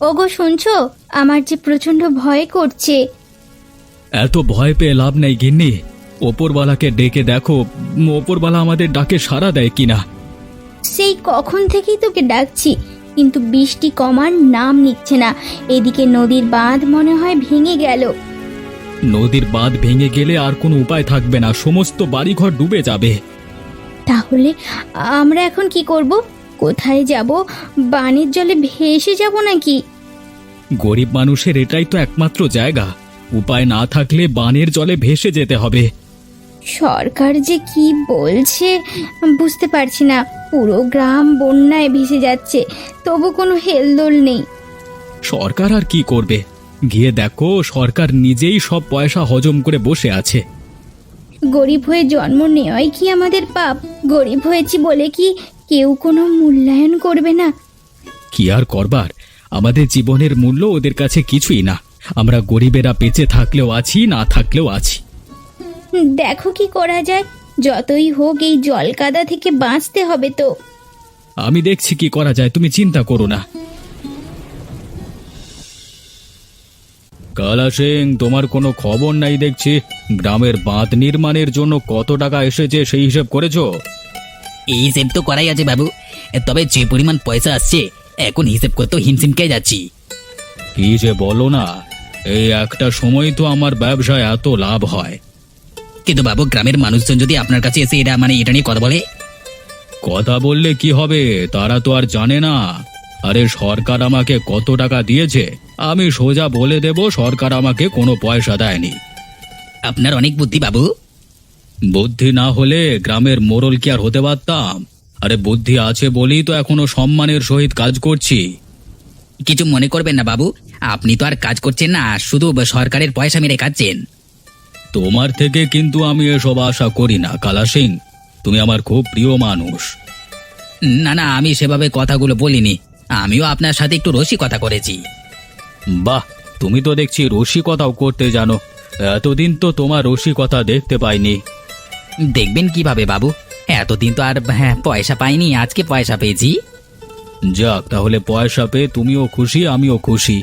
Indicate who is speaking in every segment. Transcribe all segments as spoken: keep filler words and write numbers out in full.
Speaker 1: ওগো শুনছো, আমার যে প্রচন্ড ভয় করছে।
Speaker 2: এত ভয় পেয়ে লাভ নেই গিন্নি, ওপরওয়ালাকে ডেকে দেখো ওপরওয়ালা আমাদের ডাকে সাড়া দেয় কিনা।
Speaker 1: সেই কখন থেকেই তোকে ডাকছি, কিন্তু বৃষ্টি কমার নাম নিচ্ছে না। এদিকে নদীর বাঁধ মনে হয় ভেঙে গেল।
Speaker 2: নদীর বাঁধ ভেঙে গেলে আর কোনো উপায় থাকবে না, সমস্ত বাড়িঘর ডুবে যাবে।
Speaker 1: তাহলে আমরা এখন কি করব? কোথায় যাব? বানের জলে ভেসে যাব নাকি?
Speaker 2: গরিব মানুষের এটাই তো একমাত্র জায়গা, উপায় না থাকলে বানের জলে ভেসে যেতে হবে।
Speaker 1: সরকার যে কি বলছে বুঝতে পারছি না। পুরো গ্রাম বন্যায় ভেসে যাচ্ছে, তবু কোনো হেলদোল নেই।
Speaker 2: সরকার আর কি করবে? গিয়ে দেখো সরকার নিজেই সব পয়সা হজম করে বসে আছে।
Speaker 1: গরিব হয়ে জন্ম নেওয়াই কি আমাদের পাপ? গরিব হয়েছি বলে কি কেউ কোনো মূল্যায়ন করবে না?
Speaker 2: কি আর করবার, আমাদের জীবনের মূল্য ওদের কাছে কিছুই না। আমরা গরিবেরা বেঁচে থাকলেও আছি, না থাকলেও আছি।
Speaker 1: দেখো কি করা যায়। যতই হোক এই জল কাদা থেকে বাঁচতে হবে তো।
Speaker 2: আমি দেখছি কি করা যায়, তুমি চিন্তা করো না। কালা সিং, তোমার কোনো খবর নাই দেখছি। গ্রামের বাঁধ নির্মাণের জন্য কত টাকা এসেছে সেই হিসেব করেছো?
Speaker 3: এই হিসেব তো করাই আছে বাবু, তবে যে পরিমাণ পয়সা আসছে এখন হিসেব করতে হিমশিমকে যাচ্ছি।
Speaker 2: কি যে বলো না, এই একটা সময় তো আমার ব্যবসায় এত লাভ হয়।
Speaker 3: কিন্তু বাবু, গ্রামের মানুষজন যদি আপনার কাছে এসে এটা মানে এটা নিয়ে কথা বলে?
Speaker 2: কথা বললে কি হবে, তারা তো আর জানে না। আরে সরকার আমাকে কত টাকা দিয়েছে আমি সোজা বলে দেব সরকার আমাকে কোনো পয়সা দেয়নি।
Speaker 3: আপনার অনেক বুদ্ধি বাবু।
Speaker 2: বুদ্ধি না হলে গ্রামের মোড়ল কি আর হতে পারতাম? আরে বুদ্ধি আছে বলেই তো এখনো সম্মানের সহিত কাজ করছি।
Speaker 3: কিছু মনে করবেন না বাবু, আপনি তো আর কাজ করছেন না, শুধু সরকারের পয়সা মেরে খাচ্ছেন।
Speaker 2: তোমার থেকে কিন্তু আমি এসব আশা করি না কালা সিং, তুমি আমার খুব প্রিয় মানুষ।
Speaker 3: না না, আমি সেভাবে কথাগুলো বলিনি, আমিও আপনার সাথে একটু রসিকতা করেছি।
Speaker 2: বাহ, তুমি তো দেখছি রসিকতাও করতে জানো। এতদিন তো তোমার রসিকতা দেখতে পাইনি।
Speaker 3: দেখবেন কিভাবে বাবু, এতদিন তো আর হ্যাঁ পয়সা পাইনি, আজকে পয়সা পেয়েছি।
Speaker 2: যাক, তাহলে পয়সা পেয়ে তুমিও খুশি আমিও খুশি।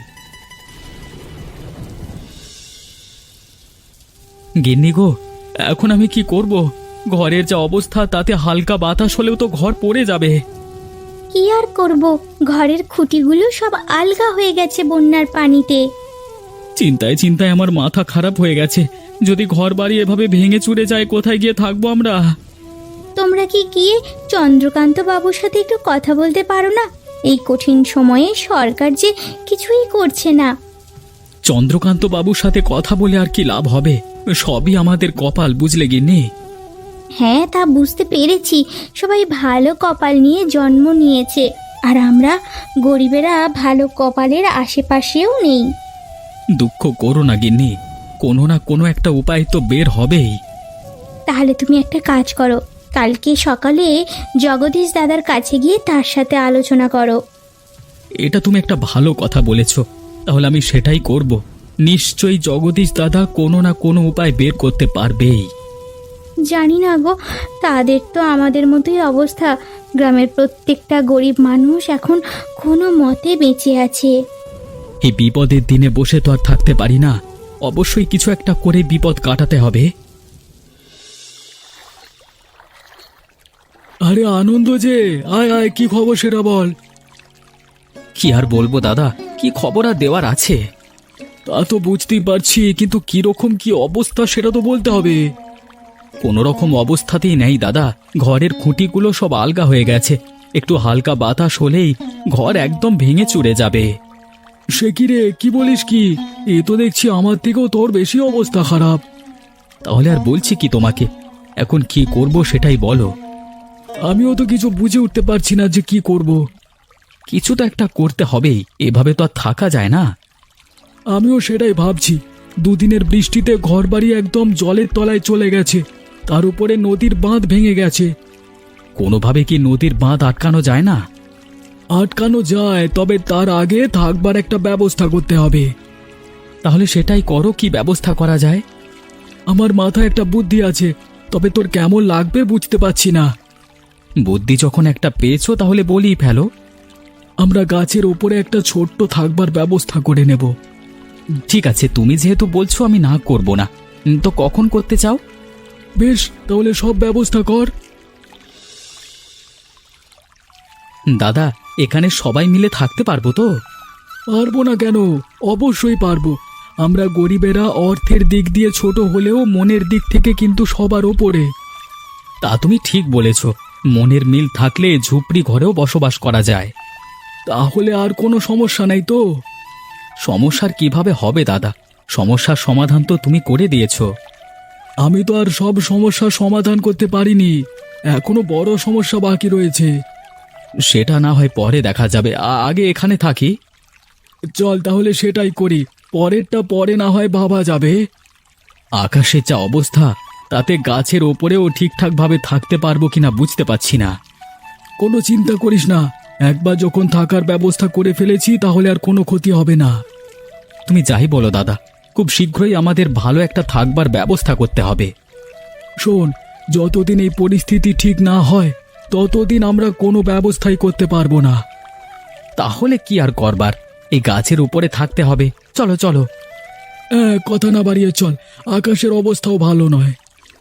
Speaker 2: গিন্নি গো, এখন আমি কি করব? ঘরের যা অবস্থা তাতে হালকা বাতাস হলেও তো ঘর পড়ে যাবে।
Speaker 1: কি আর করব, ঘরের খুঁটিগুলো সব আলগা হয়ে গেছে বন্যার পানিতে।
Speaker 2: চিন্তায় চিন্তায় আমার মাথা খারাপ হয়ে গেছে। যদি ঘর বাড়ি এভাবে ভেঙে চুরে যায় কোথায় গিয়ে থাকবো আমরা?
Speaker 1: তোমরা কি গিয়ে চন্দ্রকান্ত বাবুর সাথে একটু কথা বলতে পারো না? এই কঠিন সময়ে সরকার যে কিছুই করছে না।
Speaker 2: চন্দ্রকান্ত বাবুর সাথে কথা বলে আর কি লাভ হবে? সবই আমাদের কপাল, বুঝলে গিন্নি?
Speaker 1: হ্যাঁ, তা বুঝতে পেরেছি। সবাই ভালো কপাল নিয়ে জন্ম নিয়েছে, আর আমরা গরিবেরা ভালো কপালের আশেপাশেও নেই।
Speaker 2: দুঃখ করো না গিন্নি, কোনো না কোনো একটা উপায় তো বের হবেই।
Speaker 1: তাহলে তুমি একটা কাজ করো, কালকে সকালে জগদীশ দাদার কাছে গিয়ে তার সাথে আলোচনা করো।
Speaker 2: এটা তুমি একটা ভালো কথা বলেছ, তাহলে আমি সেটাই করব। নিশ্চয়ই জগদীশ দাদা কোনো না কোনো উপায় বের করতে পারবেই।
Speaker 1: জানি না গো, তাদের তো আমাদের মতোই অবস্থা। গ্রামের প্রত্যেকটা গরিব মানুষ এখন কোনো মতে বেঁচে আছে।
Speaker 2: এই বিপদের দিনে বসে তো আর থাকতে পারি না, অবশ্যই কিছু একটা করে বিপদ কাটাতে হবে। আরে আনন্দ যে, আয় আয়, কি খবর সেটা বল। কি আর বলবো দাদা, কি খবর আর দেওয়ার আছে? তা তো বুঝতেই পারছি, কিন্তু কিরকম কি অবস্থা সেটা তো বলতে হবে। কোন রকম অবস্থাতেই নেই দাদা, ঘরের খুঁটিগুলো সব আলগা হয়ে গেছে। একটু হালকা বাতাস হলেই ঘর একদম ভেঙে চুরে যাবে। সে কি রে, কি বলিস কি? এ তো দেখছি আমার থেকেও তোর বেশি অবস্থা খারাপ। তাহলে আর বলছি কি তোমাকে, এখন কি করব সেটাই বলো। আমিও তো কিছু বুঝে উঠতে পারছি না যে কি করব। কিছু তো একটা করতে হবেই, এভাবে তো আর থাকা যায় না। আমিও সেটাই ভাবছি। দুদিনের বৃষ্টিতে ঘরবাড়ি একদম জলের তলায় চলে গেছে, তার উপরে নদীর বাঁধ ভেঙে গেছে। কোনোভাবে কি নদীর বাঁধ আটকানো যায় না? আটকানো যায়, তবে তার আগে থাকবার একটা ব্যবস্থা করতে হবে। তাহলে সেটাই করো, কি ব্যবস্থা করা যায়? আমার মাথায় একটা বুদ্ধি আছে, তবে তোর কেমন লাগবে বুঝতে পারছি না। বুদ্ধি যখন একটা পেয়েছো তাহলে বলি ফেলো। আমরা গাছের ওপরে একটা ছোট্ট থাকবার ব্যবস্থা করে নেব। ঠিক আছে, তুমি যেহেতু বলছো আমি না করব না। উম, তো কখন করতে চাও? বেশ, তাহলে সব ব্যবস্থা কর। দাদা, এখানে সবাই মিলে থাকতে পারবো তো? পারবো না কেন, অবশ্যই পারবো। আমরা গরিবেরা অর্থের দিক দিয়ে ছোট হলেও মনের দিক থেকে কিন্তু সবার ওপরে। তা তুমি ঠিক বলেছ, মনের মিল থাকলে ঝুপড়ি ঘরেও বসবাস করা যায়। তাহলে আর কোনো সমস্যা নাই তো? সমস্যার কিভাবে হবে দাদা? সমস্যার সমাধান তো তুমি করে দিয়েছো। আমি তো আর সব সমস্যার সমাধান করতে পারিনি, এখনো বড় সমস্যা বাকি রয়েছে। সেটা না হয় পরে দেখা যাবে, আ- আগে এখানে থাকি। চল তাহলে সেটাই করি, পরেরটা পরে না হয় ভাবা যাবে। আকাশের যা অবস্থা, তাতে গাছের ওপরেও ঠিকঠাকভাবে থাকতে পারবো কিনা বুঝতে পারছি না। কোনো চিন্তা করিস না, একবার যখন থাকার ব্যবস্থা করে ফেলেছি তাহলে আর কোনো ক্ষতি হবে না। তুমি যাই বলো দাদা, খুব শীঘ্রই আমাদের ভালো একটা থাকবার ব্যবস্থা করতে হবে। শোন, যতদিন এই পরিস্থিতি ঠিক না হয় ততদিন আমরা কোনো ব্যবস্থাই করতে পারবো না। তাহলে কি আর করবার, এই গাছের উপরে থাকতে হবে। চলো চলো। হ্যাঁ, কথা না বাড়িয়ে চল, আকাশের অবস্থাও ভালো নয়।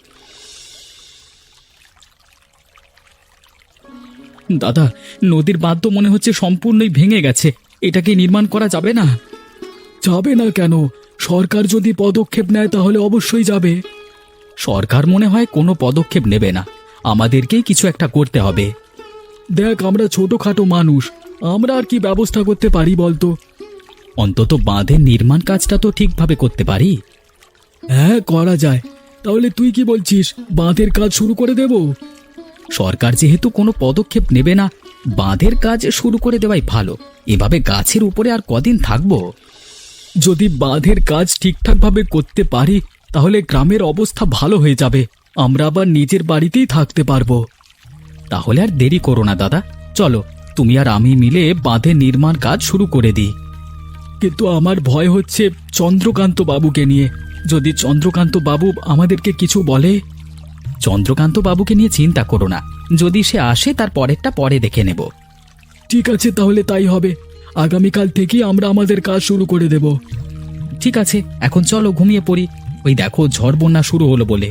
Speaker 2: দাদা, নদীর বাঁধ তো মনে হচ্ছে সম্পূর্ণই ভেঙে গেছে, এটাকে নির্মাণ করা যাবে না? যাবে না কেন? সরকার যদি পদক্ষেপ নেয় তাহলে অবশ্যই যাবে। সরকার মনে হয় কোনো পদক্ষেপ নেবে না, আমাদেরকেই কিছু একটা করতে হবে। দেখ, আমরা ছোটখাটো মানুষ, আমরা আর কি ব্যবস্থা করতে পারি বলতো? অন্তত বাঁধের নির্মাণ কাজটা তো ঠিকভাবে করতে পারি। হ্যাঁ, করা যায়। তাহলে তুই কি বলছিস, বাঁধের কাজ শুরু করে দেব? সরকার যেহেতু কোনো পদক্ষেপ নেবে না, বাঁধের কাজ শুরু করে দেওয়াই ভালো। এভাবে গাছের উপরে আর কদিন থাকবো? যদি বাঁধের কাজ ঠিকঠাকভাবে করতে পারি তাহলে গ্রামের অবস্থা ভালো হয়ে যাবে, আমরা আবার নিজের বাড়িতেই থাকতে পারবো। তাহলে আর দেরি করো না দাদা, চলো তুমি আর আমি মিলে বাঁধের নির্মাণ কাজ শুরু করে দিই। কিন্তু আমার ভয় হচ্ছে চন্দ্রকান্ত বাবুকে নিয়ে, যদি চন্দ্রকান্ত বাবু আমাদেরকে কিছু বলে। চন্দ্রকান্ত বাবুকে নিয়ে চিন্তা করো না, যদি সে আসে তার পরেরটা পরে দেখে নেব। ঠিক আছে, তাহলে তাই হবে। আগামীকাল থেকে আমরা আমাদের কাজ শুরু করে দেব। ঠিক আছে, এখন চলো ঘুমিয়ে পড়ি। ওই দেখো, ঝড় বন্যা শুরু হলো বলে।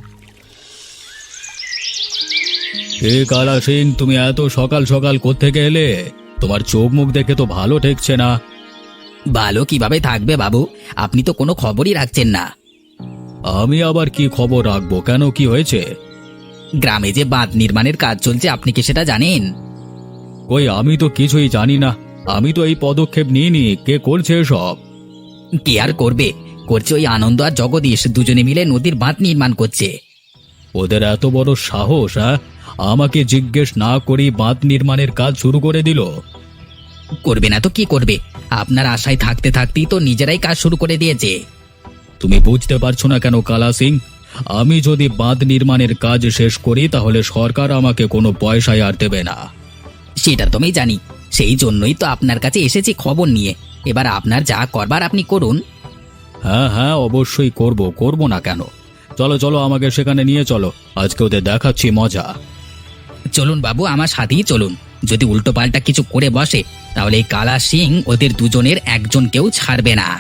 Speaker 2: হে কালা সিং, তুমি এত সকাল সকাল কোত্থেকে এলে? তোমার চোখ মুখ দেখে তো ভালো ঠেকছে না।
Speaker 3: ভালো কিভাবে থাকবে বাবু, আপনি তো কোনো খবরই রাখছেন না।
Speaker 2: আমি আবার কি খবর রাখবো? কেন, কি হয়েছে?
Speaker 3: গ্রামে যে বাঁধ নির্মাণের কাজ চলছে, আপনি কি সেটা জানেন?
Speaker 2: কই, আমি তো কিছুই জানি না। আমি তো এই পদক্ষেপ নিইনি। কে করছে সব?
Speaker 3: কে আর করবে, করছে ওই আনন্দ আর জগদীশ, দুজনে মিলে নদীর বাঁধ নির্মাণ করছে।
Speaker 2: ওদের এত বড় সাহস, হ্যাঁ? আমাকে জিজ্ঞেস না করেই বাঁধ নির্মাণের কাজ শুরু করে দিল।
Speaker 3: করবে না তো কি করবে, আপনার আশায় থাকতে থাকতেই তো নিজেরাই কাজ শুরু করে দিয়েছে।
Speaker 2: তুমি বুঝতে পারছো না কেন কালা সিং? আমি যদি বাঁধ নির্মাণের কাজ শেষ করি তাহলে সরকার আমাকে কোনো পয়সাই আর দেবে না।
Speaker 3: সেটা তো আমি জানি, সেই জন্যই তো আপনার কাছে এসেছি খবর নিয়ে। এবার আপনার যা করবার আপনি করুন।
Speaker 2: হ্যাঁ হ্যাঁ, অবশ্যই করব, করব না কেন? চলো চলো, আমাকে সেখানে নিয়ে চলো, আজকে ওদের দেখাচ্ছি মজা।
Speaker 3: চলুন বাবু, আমার সাথেই চলুন। যদি উল্টো পাল্টা কিছু করে বসে তাহলে এই কালা সিং ওদের দুজনের একজনকেও ছাড়বে না।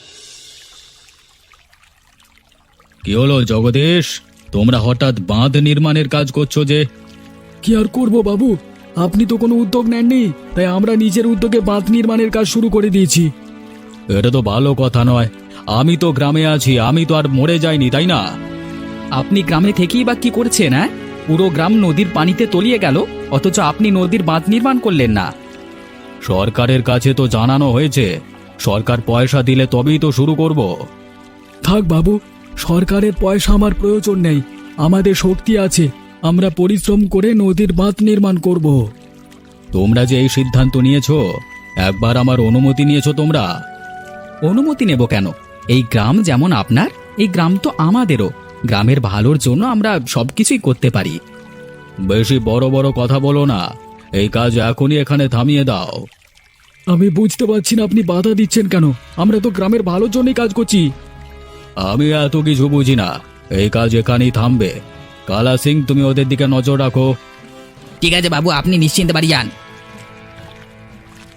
Speaker 2: কি হলো জগদীশ, তোমরা হঠাৎ বাঁধ নির্মাণের কাজ করছো যে? কি আর করব বাবু, আপনি তো কোনো উদ্যোগ নেননি, তাই আমরা নিজের উদ্যোগে বাঁধ নির্মাণের কাজ শুরু করে দিয়েছি। এটা তো ভালো কথা নয়। আমি তো গ্রামে আছি, আমি তো আর মরে যাইনি, তাই না? আপনি গ্রামে থেকেই বা কি করছেন? হ্যাঁ, পুরো গ্রাম নদীর পানিতে তলিয়ে গেল, অথচ আপনি নদীর বাঁধ নির্মাণ করলেন না। সরকারের কাছে তো জানানো হয়েছে, সরকার পয়সা দিলে তবেই তো শুরু করব। থাক বাবু, সরকারের পয়সা আমার প্রয়োজন নেই, আমাদের শক্তি আছে, আমরা পরিশ্রম করে নদীর বাঁধ নির্মাণ করব। তোমরা যে এই সিদ্ধান্ত নিয়েছো, একবার আমার অনুমতি নিয়েছো তোমরা? অনুমতি নেব কেন? এই গ্রাম যেমন আপনার, এই গ্রাম তো আমাদেরও। গ্রামের ভালোর জন্য আমরা সবকিছুই করতে পারি। বেশি বড় বড় কথা বলো না, এই কাজ এখনই এখানে থামিয়ে দাও। আমি বুঝতে পারছি না আপনি বাধা দিচ্ছেন কেন, আমরা তো গ্রামের ভালোর জন্যই কাজ করছি। আমি এত কিছু বুঝি না, এই কাজ এখানেই থামবে। কালা সিং, তুমি ওদের দিকে নজর রাখো।
Speaker 3: ঠিক আছে বাবু, আপনি নিশ্চিন্তে বাড়ি যান।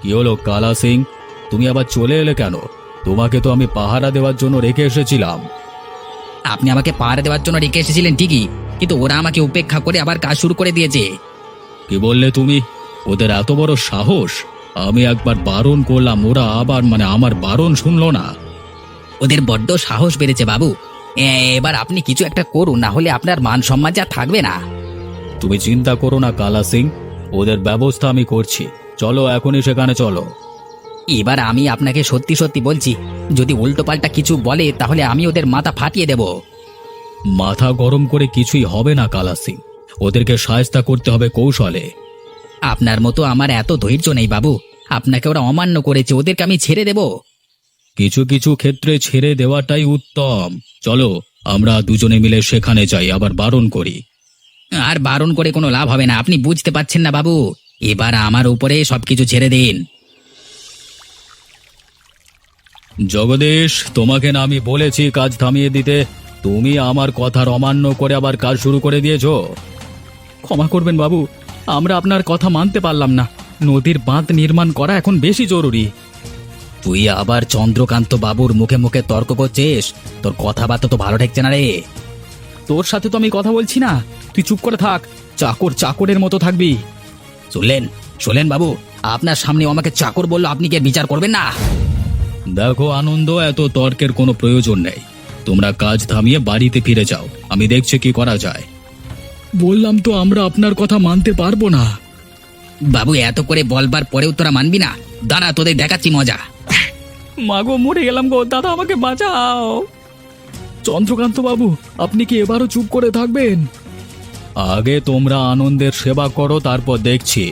Speaker 2: কি হলো কালা সিং, তুমি আবার চলে এলে কেন? তোমাকে তো আমি পাহারা দেওয়ার জন্য রেখে এসেছিলাম।
Speaker 3: আপনি আমাকে পাহারা দেওয়ার জন্য রেখে এসেছিলেন ঠিকই, কিন্তু ওরা আমাকে উপেক্ষা করে আবার কাজ শুরু করে দিয়েছে।
Speaker 2: কি বললে তুমি? ওদের এত বড় সাহস! আমি একবার বারণ করলাম, ওরা আবার মানে আমার বারণ শুনলো না।
Speaker 3: ওদের বড্ড সাহস বেড়েছে বাবু। এ- এবার আপনি কিছু একটা করুন, না হলে আপনার মান সম্মান যা থাকবে না।
Speaker 2: তুমি চিন্তা করো না কালা সিং, ওদের ব্যবস্থা আমি করছি। চলো এখনই সেখানে চলো।
Speaker 3: এবার আমি আপনাকে সত্যি সত্যি বলছি, যদি উল্টোপাল্টা কিছু বলে তাহলে আমি ওদের মাথা ফাটিয়ে দেব।
Speaker 2: মাথা গরম করে কিছুই হবে না কালা সিং, ওদেরকে সায়স্তা করতে হবে কৌশলে।
Speaker 3: আপনার মতো আমার এত ধৈর্য নেই বাবু। আপনাকে ওরা অমান্য করেছে, ওদেরকে আমি ছেড়ে দেব?
Speaker 2: কিছু কিছু ক্ষেত্রে ছেড়ে দেওয়াটাই উত্তম। চলো আমরা দুজনে মিলে সেখানে যাই, আবার বারণ করি।
Speaker 3: আর বারণ করে কোনো লাভ হবে না, আপনি বুঝতে পারছেন না বাবু। এবার আমার উপরে সবকিছু ছেড়ে দিন।
Speaker 2: জগদীশ, তোমাকে না আমি বলেছি কাজ থামিয়ে দিতে? তুমি আমার কথার অমান্য করে আবার কাজ শুরু করে দিয়েছো। ক্ষমা করবেন বাবু, আমরা আপনার কথা মানতে পারলাম না। নদীর বাঁধ নির্মাণ করা এখন বেশি জরুরি।
Speaker 3: তুই আবার চন্দ্রকান্ত বাবুর মুখে মুখে তর্ক করছিস? তোর কথাবার্তা তো ভালো ঠেকছে না রে।
Speaker 2: তোর সাথে তো আমি কথা বলছি না, তুই চুপ করে থাক। চাকর চাকরের মতো থাকবি।
Speaker 3: শুনলেন শুনলেন বাবু, আপনার সামনে আমাকে চাকর বললো, আপনি কি বিচার করবেন না?
Speaker 2: দেখো আনন্দ, এত তর্কের কোনো প্রয়োজন নেই। তোমরা কাজ থামিয়ে বাড়িতে ফিরে যাও, আমি দেখছি কি করা যায়। বললাম তো আমরা আপনার কথা মানতে পারবো না।
Speaker 3: বাবু এত করে বলবার পরেও তোরা মানবি না? দাঁড়া, তোদের দেখাচ্ছি মজা।
Speaker 2: মাগো, মরে গেলাম গো দাদা, আমাকে বাঁচাও। চন্দ্রকান্ত বাবু, আপনি কি এবারও চুপ করে থাকবেন? আগে তোমরা আনন্দের সেবা করো, তারপর দেখছি।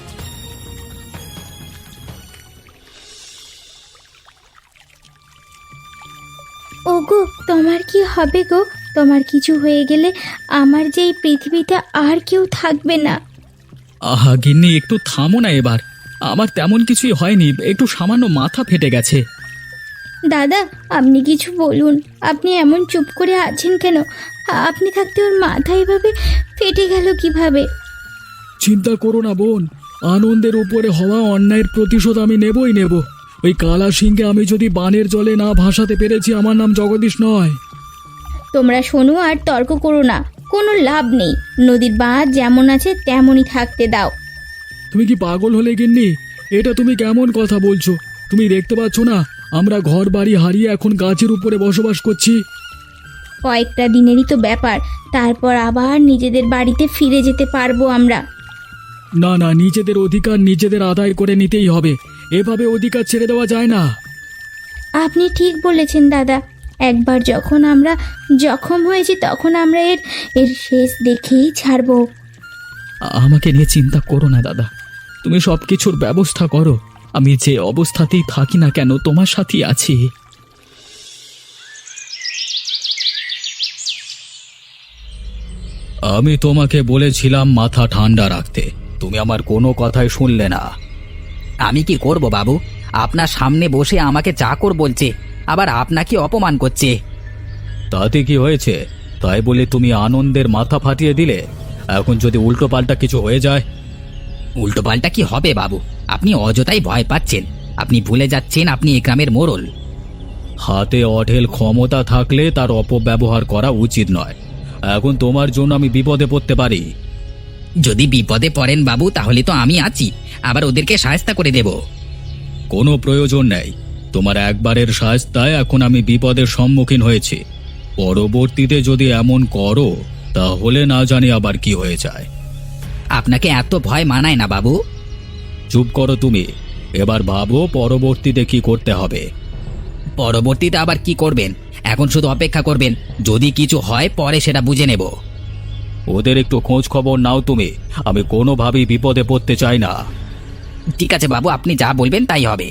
Speaker 1: ওগো, তোমার কি হবে গো? তোমার কিছু হয়ে গেলে আমার যে এই পৃথিবীতে আর কেউ থাকবে না।
Speaker 2: আহা গিন্নি, একটু থামো না এবার। আমার তেমন কিছুই হয়নি, একটু সামান্য মাথা ফেটে গেছে।
Speaker 1: দাদা, আপনি কিছু বলুন। আপনি এমন চুপ করে আছেন কেন? আপনি থাকতে ওর মাথা এভাবে ফেটে গেল কিভাবে?
Speaker 2: চিন্তা করো না বোন, আনন্দের উপরে হওয়া অন্যায়ের প্রতিশোধ আমি নেবই নেব। ওই কালা সিংকে আমি যদি বানের জলে না ভাসাতে পেরেছি, আমার নাম জগদীশ নয়।
Speaker 1: তোমরা শোনো আর তর্ক করো না, কোনো লাভ নেই। নদীর বাঁধ যেমন আছে তেমনই থাকতে দাও।
Speaker 2: তুমি কি পাগল হলে গিন্নি? এটা তুমি কেমন কথা বলছো? তুমি দেখতে পাচ্ছ না আমরা ঘর বাড়ি হারিয়ে এখন গাছের উপরে বসবাস করছি?
Speaker 1: কয়েকটা দিনেরই তো ব্যাপার, তারপর আবার নিজেদের বাড়িতে ফিরে যেতে পারবো আমরা।
Speaker 2: না না, নিজেদের অধিকার নিজেদের আদায় করে নিতেই হবে। এভাবে অধিকার ছেড়ে দেওয়া যায় না।
Speaker 1: আপনি ঠিক বলেছেন দাদা। একবার যখন আমরা জখম হয়েছি তখন আমরা এর এর শেষ দেখেই ছাড়বো।
Speaker 2: আমাকে নিয়ে চিন্তা করো না দাদা, তুমি সব কিছুর ব্যবস্থা করো। আমি যে অবস্থাতেই থাকি না কেন তোমার সাথেই আছি। আমি তোমাকে বলেছিলাম মাথা ঠান্ডা রাখতে, তুমি আমার কোনো কথাই শুনলে না।
Speaker 3: আমি কি করব বাবু? আপনার সামনে বসে আমাকে চাকর বলছে, আবার আপনাকে অপমান করছে।
Speaker 2: তাতে কি হয়েছে? তাই বলে তুমি আনন্দের মাথা ফাটিয়ে দিলে? এখন যদি উল্টো পাল্টা কিছু হয়ে যায়?
Speaker 3: উল্টোপাল্টা কি হবে বাবু? আপনি অযথাই ভয় পাচ্ছেন। আপনি ভুলে যাচ্ছেন আপনি এই গ্রামের মোড়ল।
Speaker 2: হাতে অঢেল ক্ষমতা থাকলে তার অপব্যবহার করা উচিত নয়। এখন তোমার জন্য আমি বিপদে পড়তে পারি।
Speaker 3: যদি বিপদে পড়েন বাবু, তাহলে তো আমি আছি, আবার ওদেরকে সাহায্য করে দেব।
Speaker 2: কোনো প্রয়োজন নেই, তোমার একবারের সাহায্যতায় এখন আমি বিপদের সম্মুখীন হয়েছি। পরবর্তীতে যদি এমন করো তাহলে না জানি আবার কি হয়ে যায়।
Speaker 3: আপনাকে এত ভয় মানায় না বাবু।
Speaker 2: চুপ করো তুমি, এবার ভাবো পরবর্তীতে কি করতে হবে।
Speaker 3: পরবর্তীতে আবার কি করবেন? এখন শুধু অপেক্ষা করবেন, যদি কিছু হয় পরে সেটা বুঝে নেব।
Speaker 2: ওদের একটু খোঁজ খবর নাও তুমি, আমি কোনোভাবেই বিপদে পড়তে চাই না।
Speaker 3: ঠিক আছে বাবু, আপনি যা বলবেন তাই হবে।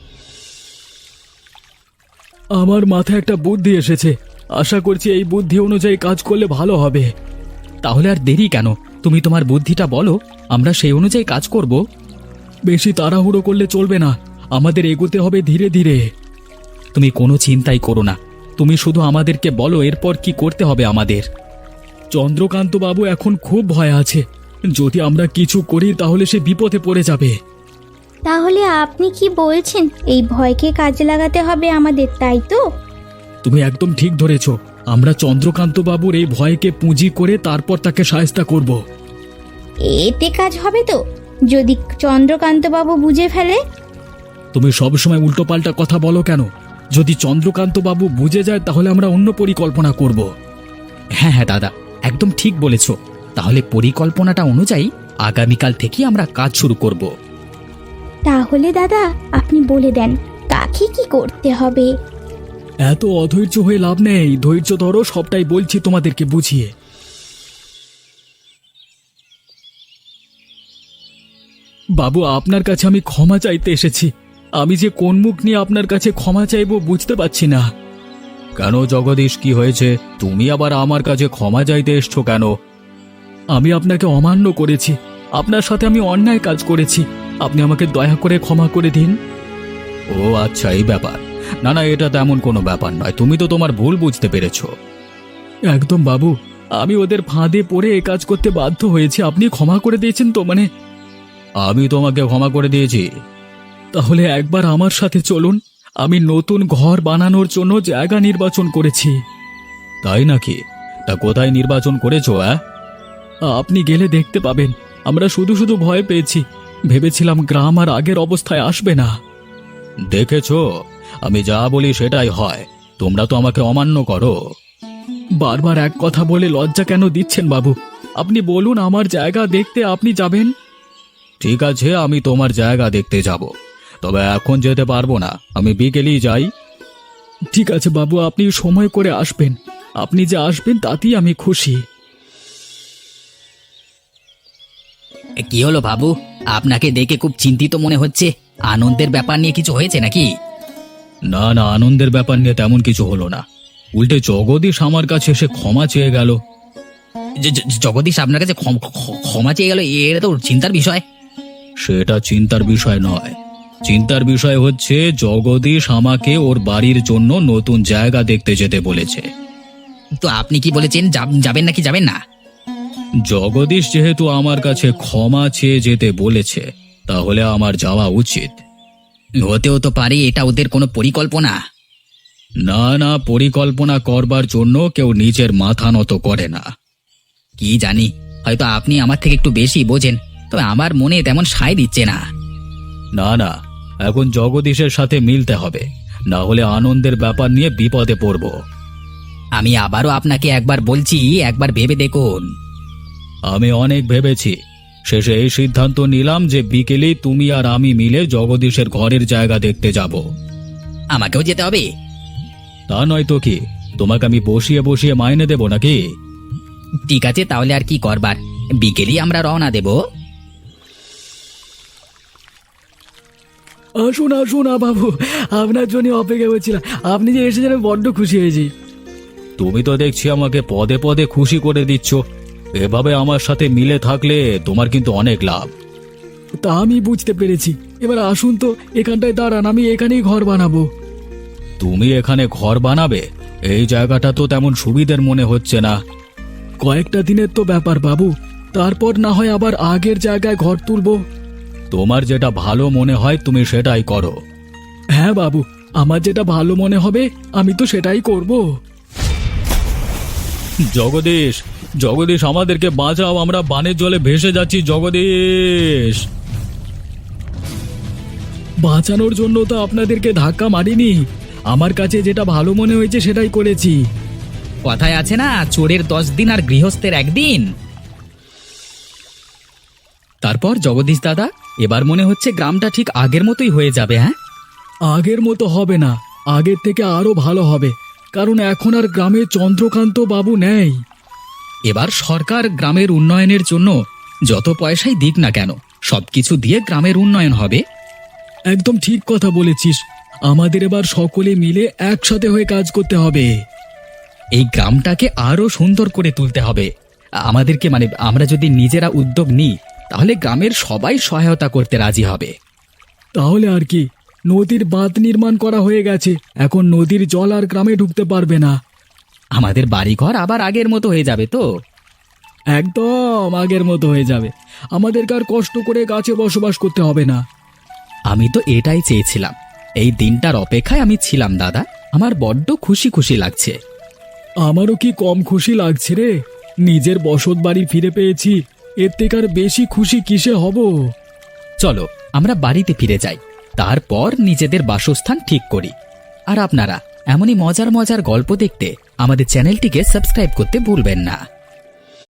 Speaker 2: আমার মাথায় একটা বুদ্ধি এসেছে, আশা করছি এই বুদ্ধি অনুযায়ী কাজ করলে ভালো হবে। তাহলে আর দেরি কেন? তুমি তোমার বুদ্ধিটা বলো, আমরা সেই অনুযায়ী কাজ করব। বেশি তাড়াহুড়ো করলে চলবে না, আমাদের এগোতে হবে ধীরে ধীরে। তুমি কোনো চিন্তাই করো না, তুমি শুধু আমাদেরকে বলো এরপর কি করতে হবে আমাদের। চন্দ্রকান্ত বাবু এখন খুব ভয় আছে, যদি আমরা কিছু করি তাহলে সে বিপদে পড়ে যাবে।
Speaker 1: তাহলে আপনি কি বলছেন এই ভয়কে কাজে লাগাতে হবে আমাদের, তাই তো?
Speaker 2: তুমি একদম ঠিক ধরেছ। আমরা চন্দ্রকান্ত বাবুর এই ভয়কে পুঁজি করে তারপর তাকে সাহায্য করব।
Speaker 1: এতে কাজ হবে তো? যদি চন্দ্রকান্ত বাবু বুঝে ফেলে?
Speaker 2: তুমি সবসময় উল্টোপাল্টা কথা বলো কেন? যদি চন্দ্রকান্ত বাবু বুঝে যায় তাহলে আমরা অন্য পরিকল্পনা করব। হ্যাঁ হ্যাঁ দাদা, একদম ঠিক বলেছ। তাহলে পরিকল্পনাটা অনুযায়ী আগামীকাল থেকে আমরা কাজ শুরু করব।
Speaker 1: তাহলে দাদা আপনি বলে দেন কাকে কি করতে হবে।
Speaker 2: এত অধৈর্য হয়ে লাভ নেই, ধৈর্য ধরো, সবটাই বলছি তোমাদেরকে বুঝিয়ে। বাবু, আপনার কাছে আমি ক্ষমা চাইতে এসেছি। আমি যে কোন মুখ নিয়ে আপনার কাছে ক্ষমা চাইবো বুঝতে পারছি না। কেন জগদীশ, কি হয়েছে? তুমি আবার আমার কাছে ক্ষমা চাইতে এসছো কেন? আমি আপনাকে অমান্য করেছি, আপনার সাথে আমি অন্যায় কাজ করেছি। আপনি আমাকে দয়া করে ক্ষমা করে দিন। ও আচ্ছা, এই ব্যাপার। না না, এটা তেমন কোনো ব্যাপার নয়। তুমি তো তোমার ভুল বুঝতে পেরেছ। একদম বাবু, আমি ওদের ফাঁদে পড়ে এ কাজ করতে বাধ্য হয়েছি। আপনি ক্ষমা করে দিয়েছেন তো? মানে আমি তোমাকে ক্ষমা করে দিয়েছি। তাহলে একবার আমার সাথে চলুন। আমি নতুন ঘর বানানোর জন্য জায়গা নির্বাচন করেছি। তাই নাকি? তা কোথায় নির্বাচন করেছো? হ্যাঁ, আপনি গেলে দেখতে পাবেন। আমরা শুধু শুধু ভয় পেয়েছি, ভেবেছিলাম গ্রাম আর আগের অবস্থায় আসবে না। দেখেছো, আমি যা বলি সেটাই হয়। তোমরা তো আমাকে অমান্য করো। বারবার এক কথা বলে লজ্জা কেন দিচ্ছেন বাবু? আপনি বলুন, আমার জায়গা দেখতে আপনি যাবেন। ঠিক আছে, আমি তোমার জায়গা দেখতে যাব, তবে এখন যেতে পারবো না। আমি বিকেলেই যাই। ঠিক আছে বাবু, আপনি সময় করে আসবেন। আপনি যে আসবেন তাতেই আমি খুশি।
Speaker 3: এ, কি হলো বাবু? আপনাকে দেখে খুব চিন্তিত মনে হচ্ছে। আনন্দের ব্যাপার নিয়ে কিছু হয়েছে নাকি?
Speaker 2: না না, আনন্দের ব্যাপার নিয়ে তেমন কিছু হলো না। উল্টে জগদীশ আমার কাছে এসে ক্ষমা চেয়ে গেল।
Speaker 3: জ- জ- জগদীশ আপনার কাছে ক্ষম- ক্ষ- ক্ষমা চেয়ে গেল? এটা তো চিন্তার বিষয়।
Speaker 2: সেটা চিন্তার বিষয় নয়। চিন্তার বিষয় হচ্ছে জগদীশ আমাকে ওর বাড়ির জন্য নতুন জায়গা দেখতে যেতে বলেছে।
Speaker 3: তো আপনি কি বলেছেন, যাব- যাবেন নাকি যাবেন না?
Speaker 2: জগদীশ যেহেতু আমার কাছে ক্ষমা চেয়ে যেতে বলেছে, তাহলে আমার যাওয়া উচিত।
Speaker 3: হতেও তো পারে এটা ওদের কোনো পরিকল্পনা।
Speaker 2: না না, পরিকল্পনা করবার জন্য কেউ নিজের মাথা নত করে না।
Speaker 3: কি জানি, হয়তো আপনি আমার থেকে একটু বেশি বোঝেন, তবে আমার মনে তেমন সায় দিচ্ছে না।
Speaker 2: না না, এখন জগদীশের সাথে মিলতে হবে, না হলে আনন্দের ব্যাপার নিয়ে বিপদে পড়ব।
Speaker 3: আমি আবারও আপনাকে একবার বলছি, একবার ভেবে দেখুন।
Speaker 2: আমি অনেক ভেবেছি, শেষে এই সিদ্ধান্ত নিলাম যে বিকেলেই তুমি আর আমি মিলে জগদীশের ঘরের জায়গা দেখতে যাব।
Speaker 3: আমাকেও যেতে হবে?
Speaker 2: তা নয় তো কি, তোমাকে আমি বসিয়ে বসিয়ে মাইনে দেব নাকি?
Speaker 3: ঠিক আছে, তাহলে আর কি করবার, বিকেলই আমরা রওনা দেব।
Speaker 2: আসুন আসুন বাবু, আপনার জন্য অপেক্ষা করছিলাম। আপনি যে এসেছেন আমি বড্ড খুশি হয়েছি। তুমি তো দেখছি আমাকে পদে পদে খুশি করে দিচ্ছ। এভাবে আমার সাথে মিলে থাকলে তোমার কিন্তু অনেক লাভ। তা আমি বুঝতে পেরেছি। এবার আসুন তো, এখানটায় দাঁড়ান, আমি এখানেই ঘর বানাবো। তুমি এখানে ঘর বানাবে? এই জায়গাটা তো তেমন সুবিধের মনে হচ্ছে না। কয়েকটা দিনের তো ব্যাপার বাবু, তারপর না হয় আবার আগের জায়গায় ঘর তুলবো। তোমার যেটা ভালো মনে হয় তুমি সেটাই করো। হ্যাঁ বাবু, আমার যেটা ভালো মনে হবে আমি তো সেটাই করব। জগদীশ, জগদীশ, আমাদেরকে বাঁচাও, আমরা বানের জলে ভেসে যাচ্ছি। জগদীশ, বাঁচানোর জন্য তো আপনাদেরকে ধাক্কা মারিনি, আমার কাছে যেটা ভালো মনে হয়েছে সেটাই করেছি।
Speaker 3: কথায় আছে না, চোরের দশ দিন আর গৃহস্থের একদিন। তারপর জগদীশ দাদা, এবার মনে হচ্ছে গ্রামটা ঠিক আগের মতোই হয়ে যাবে। হ্যাঁ,
Speaker 2: আগের মতো হবে না, আগের থেকে আরো ভালো হবে, কারণ এখন আর গ্রামে চন্দ্রকান্ত বাবু নেই।
Speaker 3: এবার সরকার গ্রামের উন্নয়নের জন্য যত পয়সাই দিক না কেন, সবকিছু দিয়ে গ্রামের উন্নয়ন হবে।
Speaker 2: একদম ঠিক কথা বলেছিস, আমাদের এবার সকলে মিলে একসাথে হয়ে কাজ করতে হবে।
Speaker 3: এই গ্রামটাকে আরো সুন্দর করে তুলতে হবে আমাদেরকে। মানে আমরা যদি নিজেরা উদ্যোগ নিই, তাহলে গ্রামের সবাই সহায়তা করতে রাজি হবে।
Speaker 2: তাহলে আর কি, নদীর বাঁধ নির্মাণ করা হয়ে গেছে, এখন নদীর জল আর গ্রামে ঢুকতে পারবে না।
Speaker 3: আমাদের বাড়িঘর আবার আগের মতো হয়ে যাবে তো?
Speaker 2: একদম আগের মতো হয়ে যাবে, আমাদেরকে আর কষ্ট করে গাছে বসবাস করতে হবে না।
Speaker 3: আমি তো এটাই চেয়েছিলাম। এই দিনটার অপেক্ষায় আমি ছিলাম দাদা। আমার বড্ড খুশি খুশি লাগছে।
Speaker 2: আমারও কি কম খুশি লাগছে রে। নিজের বসত বাড়ি ফিরে পেয়েছি, এর থেকে আর বেশি খুশি কিসে হব।
Speaker 3: চলো আমরা বাড়িতে ফিরে যাই, তারপর নিজেদের বাসস্থান ঠিক করি। আর আপনারা এমনই মজার মজার গল্প দেখতে আমাদের চ্যানেলটিকে সাবস্ক্রাইব করতে ভুলবেন না।